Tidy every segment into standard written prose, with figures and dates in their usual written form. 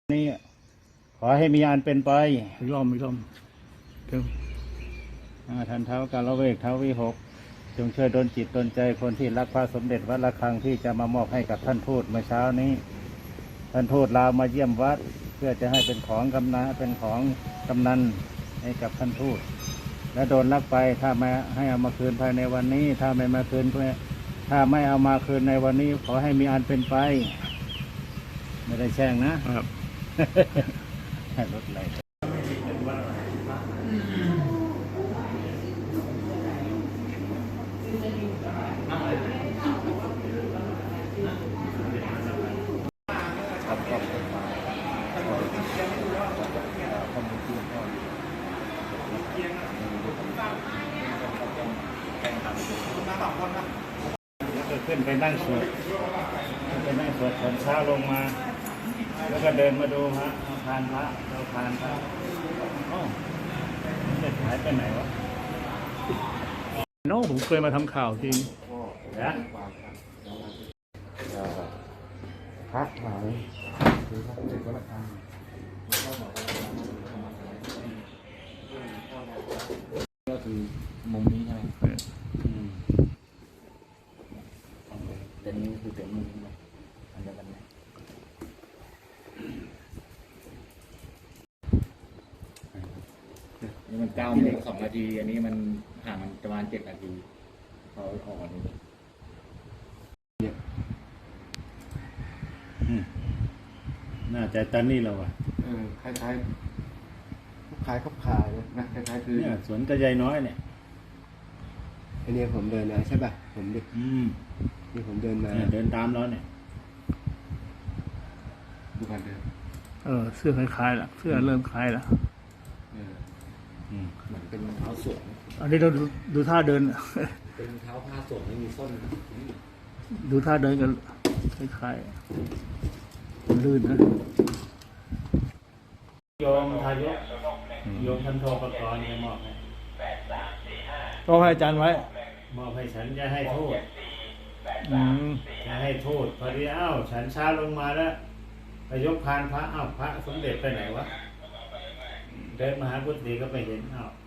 นี่ขอให้มีอันเป็นไปอีกรอบเติมท่านเท้ากาลเวกเท้าวิหกจงช่วยดลจิตดลใจคนที่รักพระสมเด็จวัดระฆังที่จะมามอบให้กับท่านทูตเมื่อเช้านี้ท่านทูตลาวมาเยี่ยมวัดเพื่อจะให้เป็นของกำนันให้กับท่านทูตและโดนลักไปถ้าไม่ให้เอามาคืนภายในวันนี้ถ้าไม่มาคืนถ้าไม่เอามาคืนในวันนี้ขอให้มีอันเป็นไปไม่ได้แช่งนะครับรถไหลแล้วก็ขึ้นไปนั่งสวดตอนเช้าลงมาแล้วก็เดินมาดูพระพานพระเราพานพระจะหายไปไหนวะน้องผมเคยมาทำข่าวจริงนะพระหายคือพระเด็กวัดระฆังก็คือมุมนี้ใช่ไหมแต่นี้คือเป็นมุมนี้อันเดียวกันไหมนี่มัน9 โมง 2 นาทีอันนี้มันห่างมันประมาณ7 นาทีเขาออกมาดูน่าจะตอนนี้เราคล้ายๆขายนะคล้ายๆคือเนี่ยสวนกระยายน้อยเนี่ยอันนี้ผมเดินมาใช่ป่ะผมเด็กนี่ผมเดินมาเดินตามเราเนี่ยดูกันเดินเสื้อคล้ายๆละเสื้อเริ่มคล้ายละเหมือนเป็นเท้าสวมอันนี้เราดูท่าเดินเป็นเท้าผ้าสวมไม่มีส้นดูท่าเดินกันคล้ายๆลื่นนะโยมทายกโยมท่านโทรประกรณ์มอบให้ก็ให้อาจารย์ไว้มอบให้ฉันจะให้โทษจะให้โทษพอดีฉันช้าลงมาแล้วไปยกพานพระพระสมเด็จไปไหนวะเดินมาหากุฏิก็ไปเห็น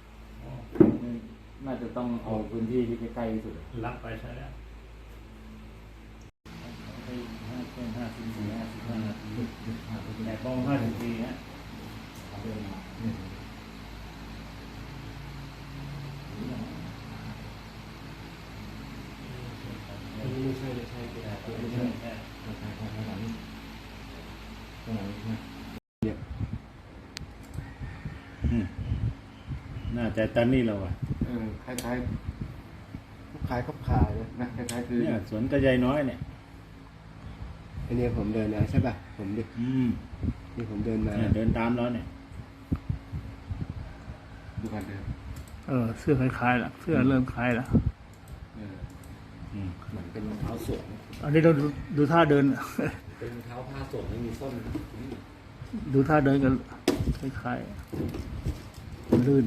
น่าจะต้องเอาพื้นที่ที่ใกล้ๆที่สุดรับไปใช่แล้วแต่ปอง54นะไม่ใช่น่าจะตอนนี้เราคล้ายนะคล้ายๆคือเนี่ยสวนกระยายน้อยเนี่ยอันนี้ผมเดินมาใช่ป่ะผมเด็กนี่ผมเดินมาเดินตามเราเนี่ยดูกันเดินเสื้อคล้ายๆละเสื้อเริ่มคล้ายละเหมือนเป็นเท้าสวมอันนี้เราดูท่าเดินเป็นเท้าผ้าสวมไม่มีส้นดูท่าเดินกันคล้ายๆลื่น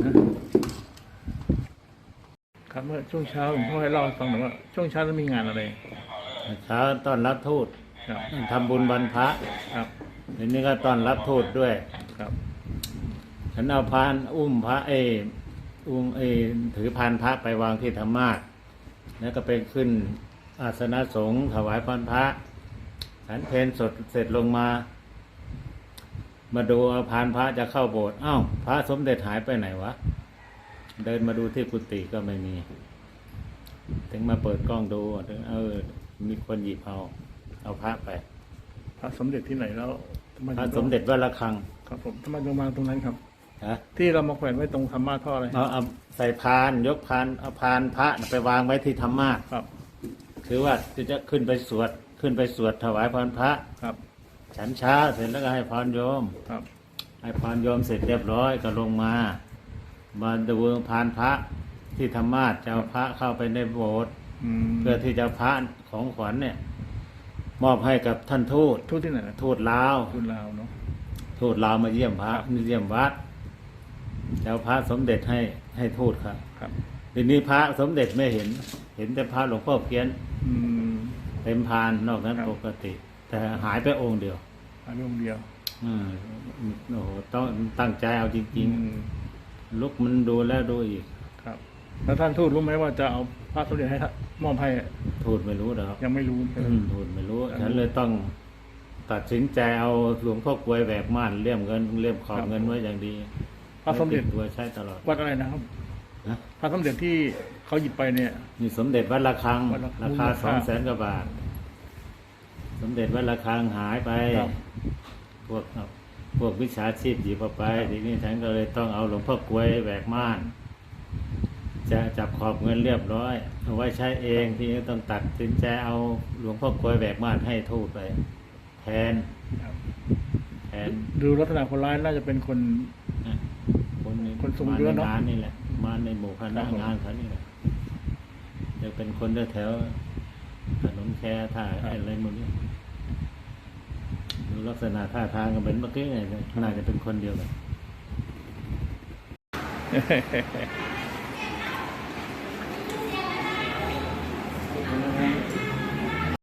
นะครับเมื่อช่วงเช้าผมให้เล่าให้ฟังหน่อยว่าช่วงเช้าจะมีงานอะไรเช้าต้อนรับทูตทำบุญบรรพะครับทีนี้ก็ต้อนรับทูตด้วยครับฉันเอาพานอุ้มพระถือพานพระไปวางที่ธรรมาสน์แล้วก็ไปขึ้นอาสนะสงฆ์ถวายพรพระฉันเพลสดเสร็จลงมาดูพานพระจะเข้าโบสถ์พระสมเด็จหายไปไหนวะเดินมาดูที่กุฏิก็ไม่มีถึงมาเปิดกล้องดูถึงมีคนหยิบเอาพระไปพระสมเด็จที่ไหนแล้วพระสมเด็จวัดระฆังครับผมทำไมลงมาตรงนั้นครับที่เรามาแขวนไว้ตรงธรรมาสท่ออะไรเอาใส่พานยกพานเอาพานพระไปวางไว้ที่ธรรมาสน์ครับคือว่าจะขึ้นไปสวดถวายพรพระครับฉันเช้าเสร็จแล้วก็ให้พรโยมครับให้พรโยมเสร็จเรียบร้อยก็ลงมาดูพานพระที่ธรรมาสน์จะเอาพระเข้าไปในโบสถ์เพื่อที่จะพระของขวัญเนี่ยมอบให้กับท่านทูตที่ไหนทูตลาวเนาะทูตลาวมาเยี่ยมพระเยี่ยมวัดจะเอาพระสมเด็จให้ทูตครับทีนี้พระสมเด็จไม่เห็นแต่พระหลวงพ่อเพี้ยนเต็มพานนอกนั้นปกติแต่หายไปองค์เดียวองค์เดียวอ่าโอ้โหต้องตั้งใจเอาจริงๆลุกมันดูแล้วดูอีกครับแล้วท่านทูตรู้ไหมว่าจะเอาพระสมเด็จให้ท่านมอบให้ทูตไม่รู้หรอกยังไม่รู้ทูตไม่รู้ฉันเลยต้องตัดสินใจเอาหลวงพ่อกลวยแหวกม่านเลี่ยมขอบเงินไว้อย่างดีพระสมเด็จไติตัวใช้ตลอดวัดอะไรนะครับนะพระสมเด็จที่เขาหยิบไปเนี่ยนี่สมเด็จวัดระฆังวัดระฆังราคามูลค่า 200,000 กว่าบาท สมเด็จวัดระฆังหายไปครับพวกวิชาชีพหยิบเอาไปทีนี้ฉันก็เลยต้องเอาหลวงพ่อกลวยแหวกม่าน จะจับขอบเงินเรียบร้อยเอาไว้ใช้เองที่นี้ต้องตัดสินใจเอาหลวงพ่อกลวยแหวกม่านให้ทูตไป แทนครับแทนดูลักษณะคนร้ายน่าจะเป็นคน คนทรงมาเยอะในเนอะงานนี่แหละ มาในหมู่คณะครับผมงานเขานี่แหละจะเป็นคนแถวๆถนนแคท่าอะไรหมดนี้ดูลักษณะท่าทางก็เป็นเมื่อกี้ไงน่าจะเป็นคนเดียวกัน